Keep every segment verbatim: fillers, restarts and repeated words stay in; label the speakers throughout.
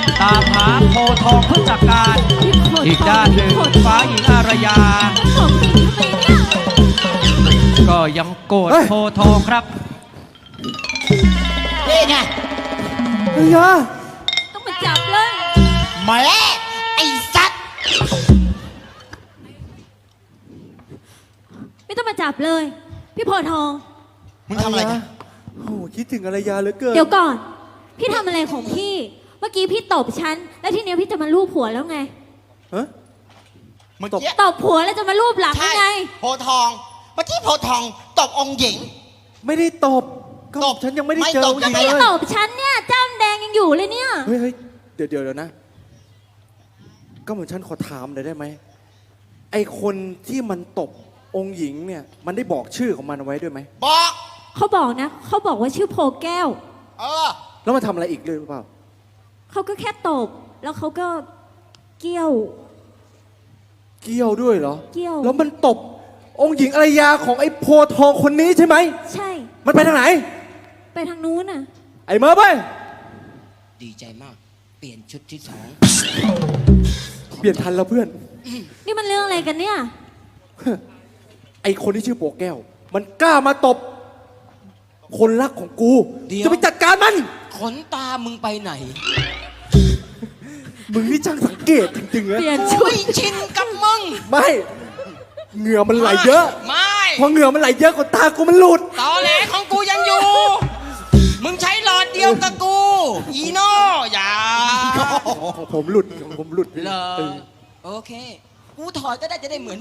Speaker 1: ตามหาโพทองผู้จัดการอีกด้านหนึ่งฟ้าหญิงอารยาก็ยังโกรธโพทองครับ
Speaker 2: นี่ไง
Speaker 3: เฮีย
Speaker 4: ต้องมาจับเลย
Speaker 2: แม่ไอ้สัตว์
Speaker 4: ไม่ต้องมาจับเลยพี่โพทอง
Speaker 2: มึงทำอะไรกัน
Speaker 3: โอ้คิดถึงอารยาเหลือเกิน
Speaker 4: เดี๋ยวก่อนพี่ทำอะไรของพี่เมื่อกี้พี่ตบฉันแล้วทีเนี้ยพี่จะมาลูบหัวแล้วไง
Speaker 3: ฮะ
Speaker 2: เมื่อกี้
Speaker 4: ตบหัวแล้วจะมาลูบหลังยังไง
Speaker 2: โพทองเมื่อกี้โพทองตบองค์หญิง
Speaker 3: ไม่ได้ตบก็ตบฉันยังไม่ได้เจอองค์หญิงเลย
Speaker 4: ไม่ตบฉันเนี่ยจ้ำแดงยังอยู่เลยเนี่ย
Speaker 3: เฮ้ยเฮ้ยเดี๋ยวเดี๋ยวนะก็เหมือนฉันขอถามหน่อยได้ไหมไอคนที่มันตบองค์หญิงเนี่ยมันได้บอกชื่อของมันเอาไว้ด้วยไหม
Speaker 2: บอก
Speaker 4: เขาบอกนะเขาบอกว่าชื่อโพแก้ว
Speaker 2: เออ
Speaker 3: แล้วมันทำอะไรอีกเลยหรือเปล่า
Speaker 4: เขาก็แค่ตบแล้วเขาก็เกี้ยว
Speaker 3: เกี้ยวด้วยเหรอ
Speaker 4: เกี้ยว
Speaker 3: แล้วมันตบองค์หญิงอารยาของไอ้โพทองคนนี้ใช่ไหม
Speaker 4: ใช่
Speaker 3: มันไปทางไหน
Speaker 4: ไปทางนู้นน่ะ
Speaker 3: ไอ้เมอไป
Speaker 2: ดีใจมากเปลี่ยนชุดที่สอง
Speaker 3: เปลี่ยนทันแล้วเพื่อน
Speaker 4: นี่มันเรื่องอะไรกันเนี่ย
Speaker 3: ไอ้คนที่ชื่อโปแก้วมันกล้ามาตบคนรักของกูจะไปจัดการมัน
Speaker 2: ขนตามึงไปไหน
Speaker 3: มึงนี่ช่างสังเกตจริงๆนะ
Speaker 4: เปลี่ยนชุด
Speaker 2: ชินกับมึง
Speaker 3: ไม่เหงื่อมันไหลเยอะ
Speaker 2: ไม่
Speaker 3: พอเหงื่อมันไหลเยอะกว่าตากูมันหลุด
Speaker 2: ตอแหลของกูยังอยู่มึงใช้หลอดเดียวกับกูอีโน่อย่า
Speaker 3: ของผมหลุดของผมหลุด
Speaker 2: เหรอโอเคกูถอดก็ได้จะได้เหมือน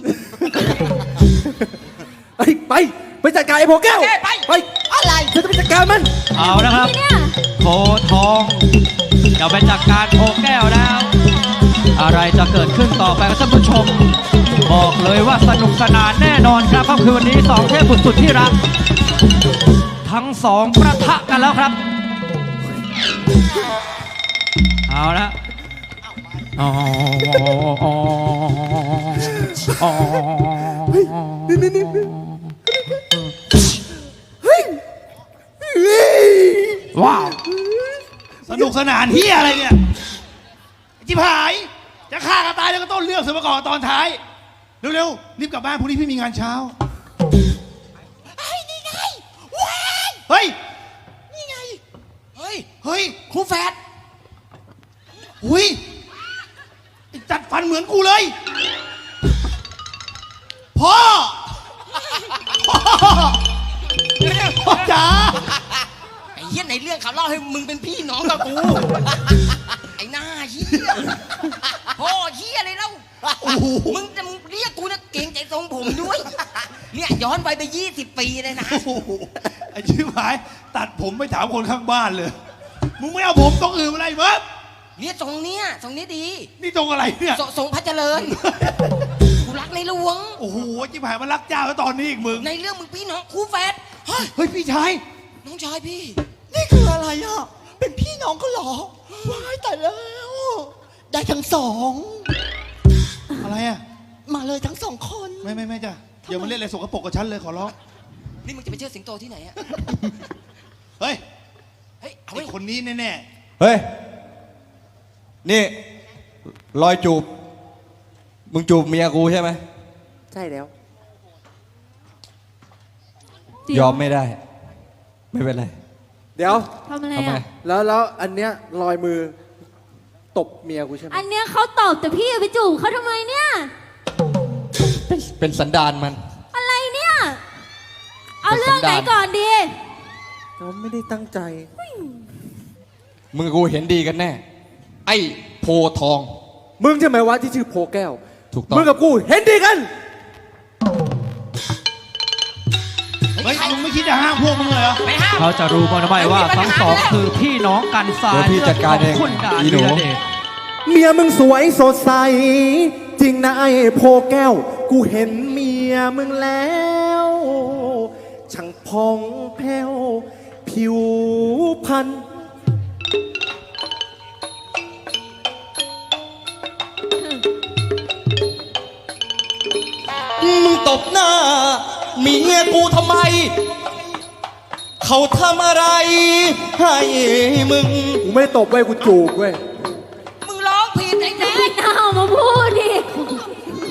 Speaker 3: ไปไปไปจัดการไอ้โพแก้ว
Speaker 2: ไป
Speaker 3: ไป
Speaker 2: อะไร
Speaker 3: ฉันจะไปจัดการมัน
Speaker 1: เอาแล้วครับโพทองจะไปจัดการโพแก้วแล้วอะไรจะเกิดขึ้นต่อไปครับท่านผู้ชมบอกเลยว่าสนุกสนานแน่นอนครับค่ำคืนวันนี้สองเทพบุตรสุดที่รักทั้งสองประทะกันแล้วครับเอาละอ๋ออ๋ออ๋อ
Speaker 3: นี่นี่นี่
Speaker 1: ว้าว
Speaker 5: สนุกสนานเฮียอะไรเนี่ยจิบหายจะฆ่ากันตายแล้วก็ต้นเรื่องสมกรตอนท้ายเร็วๆรีบกลับบ้านพรุ่งนี้พี่มีงานเช้า
Speaker 2: ไอ้นี่ไงว้าย
Speaker 5: เฮ้ย
Speaker 2: นี่ไงเฮ้ย
Speaker 5: เฮ้ย
Speaker 2: ครูแฟด
Speaker 5: หุยจัดฟันเหมือนกูเลยพ่อพ่อพ่อจ๋า
Speaker 2: ไอ้เหี้ยในเรื่องเขาเล่าให้มึงเป็นพี่น้องกับกูไอ้หน้าเหี้ยพ่อเหี้ยเลยเล่ามึงจะมึงเรียกกูนะเก่งใจทรงผมด้วยเนี่ยย้อนไปไปยี่สิบปีเลยนะ
Speaker 5: ไอ้ชิบหายตัดผมไปถามคนข้างบ้านเลยมึงไม่เอาผมตรงอื่นอะไรมั้ง
Speaker 2: เนี่ยทรงเนี้ยทรงนี้ดี
Speaker 5: นี่ตรงอะไรเนี่ย
Speaker 2: ทรงพระเจริญกูรักในหลวง
Speaker 5: โอ้โหจิบหายมันรักเจ้าแล้วตอนนี้อีกมึง
Speaker 2: ในเรื่องมึงพี่น้องคู่แฝด
Speaker 5: เฮ้ยพี่ชาย
Speaker 2: น้องชายพี่
Speaker 6: นี่คืออะไรอ่ะเป็นพี่น้องก็หรอว้ายแต่แล้วได้ทั้งสอง
Speaker 5: อะไรอ่ะ
Speaker 6: มาเลยทั้งสองคน
Speaker 5: ไม่ไม่ไม่จ้ะอย่ามาเล่นอะไรสกปรกกับฉันเลยขอร้อง
Speaker 2: นี่มึงจะไปเชื่อสิงโตที่ไหนอ่ะ
Speaker 5: เฮ้ย
Speaker 2: เฮ้ย
Speaker 5: ไอ้คนนี้แน่
Speaker 7: ๆเฮ้ยนี่รอยจูบมึงจูบเมียกูใช่ไหม
Speaker 3: ใช่แล้ว
Speaker 7: ยอมไม่ได้ไม่เป็นไร
Speaker 3: เดี๋ยว
Speaker 4: ทำอะไรอ่ะ
Speaker 3: แล้วแล้วอันเนี้ยรอยมือตบเมียกูใช่ไหม
Speaker 4: อันเนี้ยเขาตบแต่พี่ไปจูบเขาทำไมเนี่ย
Speaker 7: เป็นเป็นสันดานมัน
Speaker 4: อะไรเนี่ยเอาเรื่องไหนก่อนดี
Speaker 3: เราไม่ได้ตั้งใจ
Speaker 7: มึงกูเห็นดีกันแน่ไอ้โพทอง
Speaker 3: มึงใช่ไหมวะที่ชื่อโพแก้ว
Speaker 7: ถูกต้อง
Speaker 3: มึงกับกูเห็นดีกัน
Speaker 5: เฮ้ยมึงไม่คิดจะห้ามพวกมึงเลยเหรอ
Speaker 2: ไม่ห้าม
Speaker 1: เขาจะรู้มั้ยไม่ว่าทั้งสองคือพี่น้องกันสาย
Speaker 7: พี่จัดการเอง
Speaker 1: คุณดา
Speaker 7: อีหนู
Speaker 3: เมียมึงสวยสดใสจริงนะไอ้โพแก้วกูเห็นเมียมึงแล้วช่างพองแผ้วผิวพรรณ
Speaker 7: มึงตบหน้าเมียกูทำไมเขาทำอะไรให้มึง
Speaker 3: กูไม่ตบเว้ยกูจูบเว้ย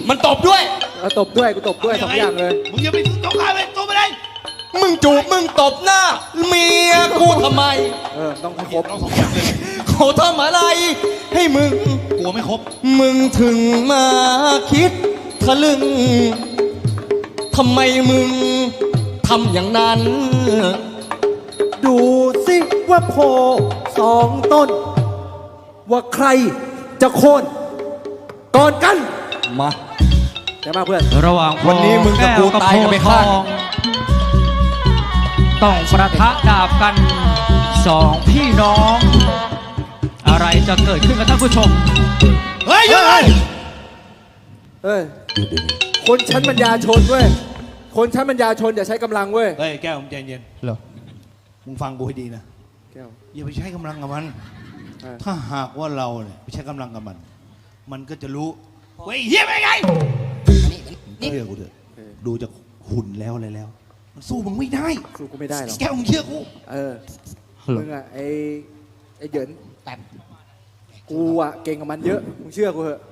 Speaker 2: มันตบด้วย
Speaker 3: เอาตบด้วยกูตบด้วยสองอย่างเลย
Speaker 5: มึงอย่าไปต้องการไปตัวไปเลย
Speaker 2: มึงจูบมึงตบหน้าเมียกูทำไม
Speaker 3: เออต้องให้ครบ
Speaker 5: ต้องสองอย่างเลย
Speaker 2: เขาทำอะไรให้มึง
Speaker 5: กลัวไม่ครบ
Speaker 2: มึงถึงมาคิดทะลึ่งทำไมมึงทำอย่างนั้น
Speaker 3: ดูสิว่าโพสองต้น ว่าใครจะโค่นก่อนกัน
Speaker 7: มา
Speaker 3: เดี๋ยวมาเพื่อน
Speaker 1: ระหว่าง
Speaker 7: วันนี้มึงกับกูตายกันไปข้าง
Speaker 1: โพธิ์ทองต้องประทะดาบกันสองพี่น้อง อะไรจะเกิดขึ้นกับท่านผู้ชม
Speaker 5: เฮ้ยหยุดเลย
Speaker 3: เอ้ย คนชั้นปัญญาชนเว้ย คนชั้นปัญญาชนอย่าใช้กำลังเว้ย
Speaker 5: เฮ้ยแก้วมึงใจเย็น
Speaker 7: เหรอ
Speaker 5: มึงฟังกูให้ดีนะ
Speaker 3: แก้ว
Speaker 5: อย่าไปใช้กำลังกับมัน
Speaker 3: เออ
Speaker 5: ถ้าหากว่าเราเนี่ยไปใช้กำลังกับมัน มันก็จะรู้ว่าไอ้เฮียเป็นไง
Speaker 2: นี่
Speaker 5: เชื่อกูเถอะดูจากหุ่นแล้วอะไรแล้ว มันสู้มึงไม่ได้
Speaker 3: สู้กูไม่ได้หรอก
Speaker 5: แก้วมึงเชื่อกู
Speaker 3: เออ มึงอะไอไอเหยิน
Speaker 2: แบบ
Speaker 3: กูอะเก่งกับมันเยอะ มึงเชื่อกูเถอะ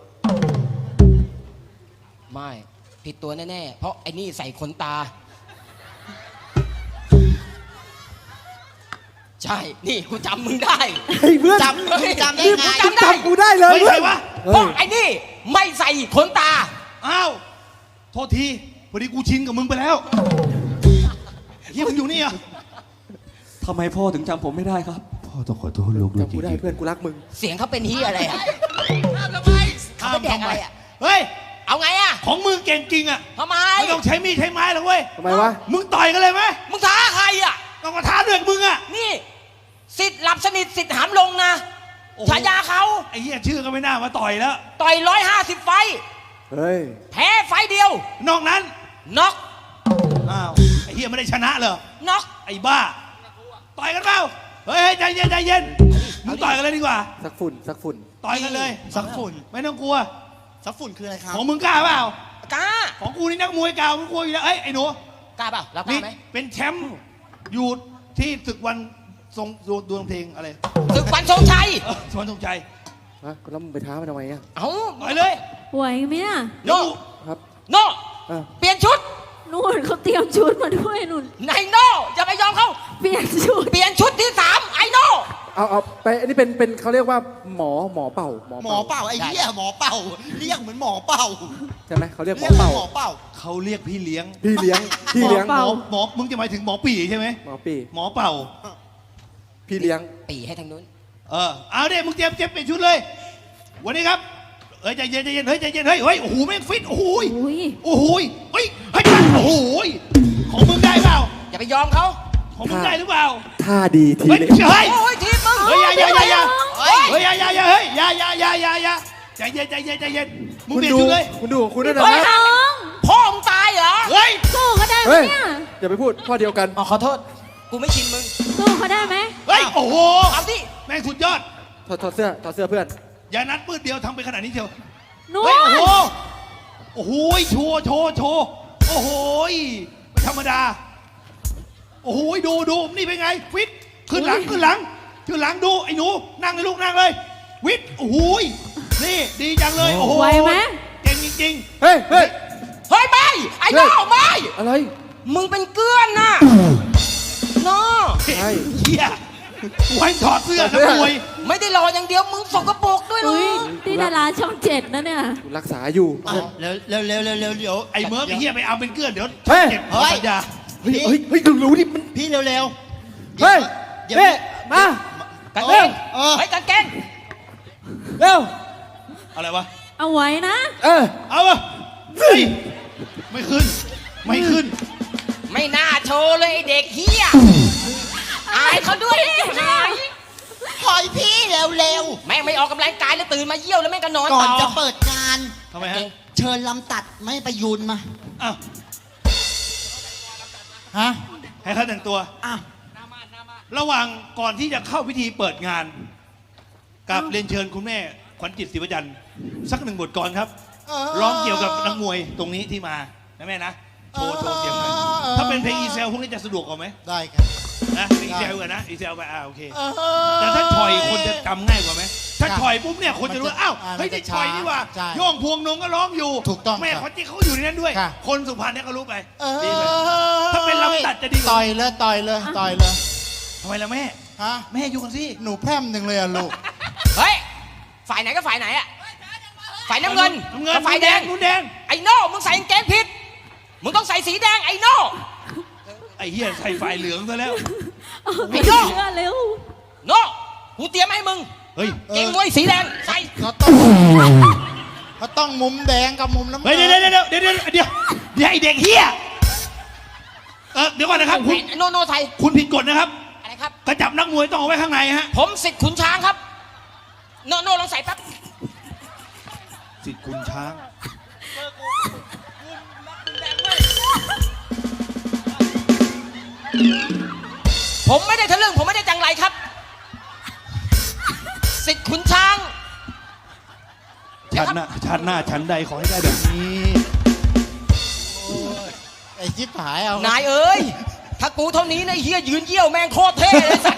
Speaker 2: ไม่ผิดตัวแน่ๆ เพราะไอ้นี่ใส่ขนตา ใช่ นี่กูจำมึงได้
Speaker 3: เฮ้ยเพื่อน
Speaker 2: จำมึงจำได้ไง
Speaker 3: มึงจำกูได้เลย
Speaker 5: เฮ้ย
Speaker 3: เพื่
Speaker 5: ใคร
Speaker 3: อน
Speaker 5: วะ
Speaker 2: เพราะไอ้นี่ไม่ใส่ขนตา
Speaker 5: อ้าวโทษทีพอดีกูชินกับมึงไปแล้วเฮียมึงอยู่นี่เหรอ่ะ
Speaker 7: ทำไมพ่อถึงจำผมไม่ได้ครับ
Speaker 5: พ่อต้องขอโทษลูกด้วย
Speaker 3: จำกูได้เพื่อนกูรักมึง
Speaker 2: เสียงเขาเป็นฮียอะไรอ่ะ เขาไปแดกอะไรอ่ะ
Speaker 5: เฮ้ย
Speaker 2: เอาไงอ่ะ
Speaker 5: ของมึงเก่งจริงอ่ะ
Speaker 2: ทำไม
Speaker 5: ไม่ต้องใช้มีดใช้ไม้หรอกเว้ย
Speaker 3: ทำไมวะ
Speaker 5: มึงต่อยกันเลยไหม
Speaker 2: มึงท้าใครอ่ะ
Speaker 5: ต้องมาท้าเดือดมึงอ่ะ
Speaker 2: นี่สิทธิ์หลับสนิทสิทธิ์หามลงนะ
Speaker 5: โอ้โห
Speaker 2: ฉายาเขา
Speaker 5: ไอ้เหี้ยชื่อก็ไม่น่ามาต่อยแล้ว
Speaker 2: ต่อยร้อยห้าสิบไฟต์
Speaker 3: เฮ้ย
Speaker 2: แพ้ไฟต์เดียว
Speaker 5: นอกนั้น
Speaker 2: น็อก
Speaker 5: อ้าวไอ้เหี้ยไม่ได้ชนะเหรอ
Speaker 2: น็อก
Speaker 5: ไอ้บ้าต่อยกันเปล่าเฮ้ยใจเย็นใจเย็นมึงต่อยกันเลยดีกว่า
Speaker 3: สักฝุ่นสักฝุ่น
Speaker 5: ต่อยกันเลย
Speaker 6: สักฝุ่น
Speaker 5: ไม่ต้องกลัว
Speaker 6: สักฝุ่นคืออะไรครับ
Speaker 5: ของมึงกล้าเปล่า
Speaker 2: กล้า
Speaker 5: ของกูนี่นักมวยเก่ามึงกลัวอยู่แล้วเอ้ยไอ้หนู
Speaker 2: กล้าเปล่ารับก
Speaker 5: นี่
Speaker 2: ล้าไหม
Speaker 5: เป็นแชมป์อยู่ที่ศึกวันทรงดวงเพลงอะไร
Speaker 2: ศึกวันทรงชัย
Speaker 5: เออสวนทรงใจ
Speaker 3: ฮะแล้วมึงไปท้ามันทำไมอะ
Speaker 2: เอ้า
Speaker 5: ต่อยเลย
Speaker 4: ไหวไหมน่ะ
Speaker 2: โน่
Speaker 3: ครับ
Speaker 2: โน่
Speaker 3: เออ
Speaker 2: เปลี่ยนชุด
Speaker 4: นู่นเขาเตรียมชุดมาด้วยนู่น
Speaker 2: นายโน่อย่าไปยอมเขา
Speaker 4: เปลี่ยนชุด
Speaker 2: เปลี่ยนชุดที่สามไอ้โน่
Speaker 3: เอาเอาไปอันนี้เป็นเป็นเขาเรียกว่าหมอหมอเป่า หมอ
Speaker 6: หมอเป่าไอ้เหี้ยหมอเป่าเรียกเหมือนหมอเป่า
Speaker 3: ใช่ไหมเขาเรียกหม
Speaker 6: เรี
Speaker 3: อย
Speaker 6: กเหมือ
Speaker 3: เป่าน
Speaker 6: หมอเป่า
Speaker 5: เขาเรียกพี่เลี้ยง
Speaker 3: พี่เลี้ยง พี่เลี้ยง
Speaker 5: หมอหมอมึงจะหมายถึงหมอปี่ใช่ไหม
Speaker 3: หมอปี
Speaker 5: หมอเป่า
Speaker 3: พี่เลี้ยง
Speaker 2: ปีให้ทางนู้น
Speaker 5: เออเอาเด็มึงเตรียมเตรียมเปลี่ยนชุดเลย วันนี้ครับเฮ้ยใจเย็นใจเย็นเฮ้ยใจเย็นเฮ้ยเฮ้ยโอ้โหแม่งฟิตโอ้โหย
Speaker 4: อุ้ย
Speaker 5: โอ้โหยเฮ้ยเฮ้ยโอ้โหยของมึงได้เปล่า
Speaker 2: อย่าไปยอมเขา
Speaker 5: ของมึงได้หรือเปล่า
Speaker 3: ท่าดีที
Speaker 5: เฮ้ย
Speaker 3: เล็ก
Speaker 5: เฮ้ย
Speaker 2: โอ้ยทีมมึง
Speaker 5: เฮ้ยอย่าอย่าอย่าอย่า
Speaker 2: เฮ้ย
Speaker 5: เฮ้ยอย่าอย่าอย่าเฮ้ยอย่าอย่าอย่าอย่าอย่าใจเย็นใจเย็นใจเย็นมึง
Speaker 3: คุณ
Speaker 5: เปลี่ยน
Speaker 3: ดู
Speaker 5: ชุดเลย
Speaker 3: คุณดูของคุณด้วยนะ
Speaker 2: เฮ้ย
Speaker 3: นะ
Speaker 4: น้อง
Speaker 2: พ่อมึงตายเหรอ
Speaker 5: เฮ้ย
Speaker 4: สู้เขาได้ไหม
Speaker 3: เฮ้ย
Speaker 4: เนี่ย
Speaker 3: อย่าไปพูดพ่อเดียวกัน
Speaker 2: อ๋อขอโทษ กูไม่ชินมึง
Speaker 4: สู้เขาได้ไหม
Speaker 5: เฮ้ยโอ้โห
Speaker 2: เอาดิ
Speaker 5: แม่งสุดยอด
Speaker 3: ถอดถอดเสื้อถอดเสื้อเพื่อน
Speaker 5: อย่านัดมืดเดียวทำไปขนาดนี้เชียว
Speaker 4: นู่
Speaker 5: เฮ้ย โอ้
Speaker 4: น
Speaker 5: โห โอ้โหโชว์โชว์โชว์โอ้โหไม่ธรรมดา โอ้โหดูดูนี่เป็นไง ฟิต ขึ้นหลัง ขึ้นหลัง ขึ้นหลังดู ไอ้หนู นั่งเลยลูกนั่งเลย วิทย์โอ้โหนี่ดีจังเลย โอ้โห
Speaker 4: ไหวไหม
Speaker 5: เก่งจริง
Speaker 3: เฮ้ย เฮ้ย
Speaker 2: เฮ้ยไม่ไอ้โน่ไม่
Speaker 3: อะไร
Speaker 2: มึงเป็นเกลื้อนน่ะโน่
Speaker 3: ใช่
Speaker 5: ๆเฮียกูให้ถอดเสื้อ
Speaker 3: ถอดเสื้
Speaker 5: นั
Speaker 3: อ
Speaker 5: กมวย
Speaker 2: ไม่ได้รออย่างเดียวมึงสกปรกด้วยลู
Speaker 4: อุ้ย
Speaker 2: ก
Speaker 4: นี่ดาราช่องเจ็ดนะเนี่ย
Speaker 3: กูรักษาอยู่
Speaker 6: อ่ะเร็วเร็วเร็วเร็วเร็วเดี๋ยว
Speaker 5: ไอ้เมิร์ฟไอ้เฮียไปเอาเป็นเกลือนเดี๋ยว
Speaker 3: เฮ้ย
Speaker 5: เก็บ
Speaker 6: เฮ้ย
Speaker 5: สัญญา
Speaker 3: เฮ้ย เฮ้ย เฮ้ยรู้ดิมัน
Speaker 6: พี่เร็วเร็ว
Speaker 3: เฮ้ย
Speaker 6: เดี๋ยว
Speaker 3: เฮ้ยมา
Speaker 2: กางเกง
Speaker 6: เออ
Speaker 2: เฮ้ยกางเกง
Speaker 3: เร็ว
Speaker 5: อะไรวะ
Speaker 4: เอาไว้นะ
Speaker 3: เออ
Speaker 5: เอาวะเฮ้ยไม่ขึ้น ไม่ขึ้น
Speaker 2: ไม่น่าโชว์เลยไอ้เด็กเฮียอายเขาด้วยหาย
Speaker 6: ปล่อยพี่เร็วเร็ว
Speaker 2: แม่งไม่ออกกำลังกายแล้วตื่นมาเยี่ยวแล้วแม่งก็นอน
Speaker 6: ก่อน
Speaker 2: ต่อ
Speaker 6: จะเปิดงาน
Speaker 5: ทำไมฮะ
Speaker 6: เชิญลำตัดไม่ประยุนมา
Speaker 5: อ้าว
Speaker 6: ฮะ
Speaker 5: ให้เขาแต่งตัว
Speaker 6: อ้าว
Speaker 5: ระหว่างก่อนที่จะเข้าพิธีเปิดงาน กับเรียนเชิญคุณแม่ขวัญจิตศรีวจันทร์สักหนึ่งบทก่อนครับ ร้องเกี่ยวกับนักมวยตรงนี้ที่มานะแม่นะ โชว์โชว์เสียงหน่อยถ้าเป็นเพลงอีเซลพวกนี้จะสะดวกกว่าไหม
Speaker 6: ได้ครับ
Speaker 5: นะเพลงอีเซลกันนะอีเซลไปอ่าโอเค แต่ถ้าชอยคนจะจำง่ายกว่าไหมถ้าถ้าฉ่อยปุ๊บเนี่ยคนจะรู้ว่าอ้าว
Speaker 6: อ่า
Speaker 5: เฮ้ย
Speaker 6: มันจะ
Speaker 5: นี่ฉ่อยนี่หว่า
Speaker 6: ใช่
Speaker 5: โย่องพวงนงก็ร้องอยู่
Speaker 6: ถูกต้อง
Speaker 5: แม่
Speaker 6: ครับ
Speaker 5: ขวัญจิตเขาอยู่ในนั้นด้วย
Speaker 6: ค่ะ
Speaker 5: คนสุพรรณเนี่ยก็รู้ไป
Speaker 6: เอ
Speaker 5: ดี
Speaker 6: อ
Speaker 5: ไปถ้าเป็นลำตัดจะดีกว่า
Speaker 6: ต่อยเลยต่อยเลยต่อยเลย
Speaker 5: ทำไมล่ะแม่
Speaker 6: ฮะ
Speaker 5: แม่อยู่กันสิ
Speaker 6: หนูแพร่มหนึ่งเลยอะลูก
Speaker 2: เฮ้ย ฝ่ายไหนก็ฝ่ายไหนอะฝ่ายน้ำเงิน
Speaker 5: น้ำเงิน
Speaker 2: กับฝ่ายแดง
Speaker 5: นุ่นแดง
Speaker 2: ไอ้โน่มึงใส่กางเกงผิด มึงต้องใส่สีแดงไอ้โน่
Speaker 5: ไอ้เหี้ยใส่ไฟเหลืองซะแล้ว
Speaker 2: ไอ้โน่
Speaker 4: เชื่อเร็ว
Speaker 2: โน่กูเตรียมให้มึง
Speaker 5: เฮ้ย
Speaker 2: เกงมวยสีแดงใส่
Speaker 6: เขาต้องเขาต้องมุมแดงกับมุมน้ำ
Speaker 5: เฮ้ย
Speaker 6: เงิ
Speaker 5: เดี๋ยวเดี๋ยวเดี๋ยวเดี๋ยวเดี๋ยวเดี๋ยวไอเด็กเฮียเออเดี๋ยวก่อนนะครับคุณ
Speaker 2: โน่โน่ใส่
Speaker 5: คุณผิดกฎนะครับ
Speaker 2: อะไรครับ
Speaker 5: กระจับนักมวยต้องเอาไว้ข้างในฮะ
Speaker 2: ผมสิทธิ์ขุนช้างครับ โน่โน่ลองใส่แป๊บ
Speaker 5: สิทธิ์คุณช้าง
Speaker 2: ผมไม่ได้ทะลึ่งผมไม่ได้จังไรครับ สิทธิ์ขุนช้าง
Speaker 5: ชาติหน้าชาติหน้าชั้นใดขอให้ได้แบบนี้
Speaker 6: ไอ้จิ๊บหายเอา
Speaker 2: นายเอ้ย ถ้ากูเท่านี้นะไอ้เฮียยืนเยี่ยวแม่งโคตรเท่เลยสัตว์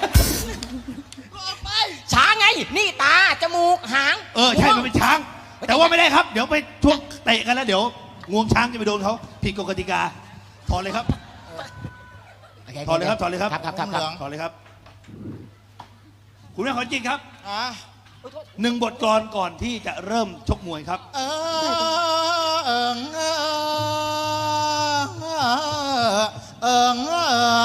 Speaker 2: ช้างไง นี่ตา จมูก หาง
Speaker 5: เออใช่มันเป็นช้าง แต่ว่าไม่ได้ครับ เดี๋ยวไปช่วงเตะกันแล้วเดี๋ยวงวงช้างจะไปโดนเขาผิดกฎกติกาถอนเลยครับ ถอนเลยครับถอนเลยครับ
Speaker 2: ครับครับครับครับ
Speaker 5: ถอนเลยครับ คุณแม่ขอจริงครับ
Speaker 6: อ่ะ
Speaker 5: หนึ่งบทกลอนก่อนที่จะเริ่มชกมวยครับ
Speaker 6: เออเออเออเออเอ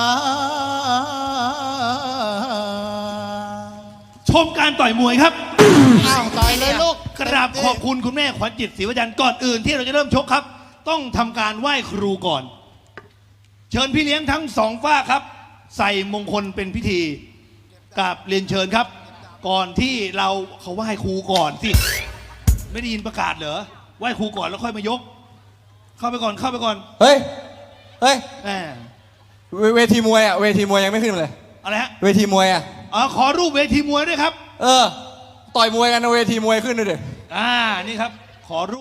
Speaker 6: อ
Speaker 5: ชมการต่อยมวยครับ
Speaker 6: อ้าวต่อยเลยลูก
Speaker 5: กราบขอบคุณคุณแม่ขวัญจิตศรีวจันทร์ก่อนอื่นที่เราจะเริ่มชกครับ ต้องทำการไหว้ครูก่อน เชิญพี่เลี้ยงทั้งสองฝ้ากครับ ใส่มงคลเป็นพิธีกราบเรียนเชิญครับ ก่อนที่เราเขาไหว้ครูก่อนสิไม่ได้ยินประกาศเหรอไหว้ครูก่อนแล้วค่อยมายก เข้าไปก่อนเข้าไปก่อน
Speaker 7: เฮ้ย เฮ้ย
Speaker 5: แหม
Speaker 7: เวเวทีมวยอ่ะ เวทีมวยยังไม่ขึ้นเลย
Speaker 5: อะไรฮะ
Speaker 7: เวทีมวยอ่ะ
Speaker 5: อ๋อขอรูปเวทีมวยด้วยครับ
Speaker 7: เออ ต่อยมวยกันนะเวทีมวยขึ้นด้วยดิ
Speaker 5: อ่านี่ครับ ขอรูป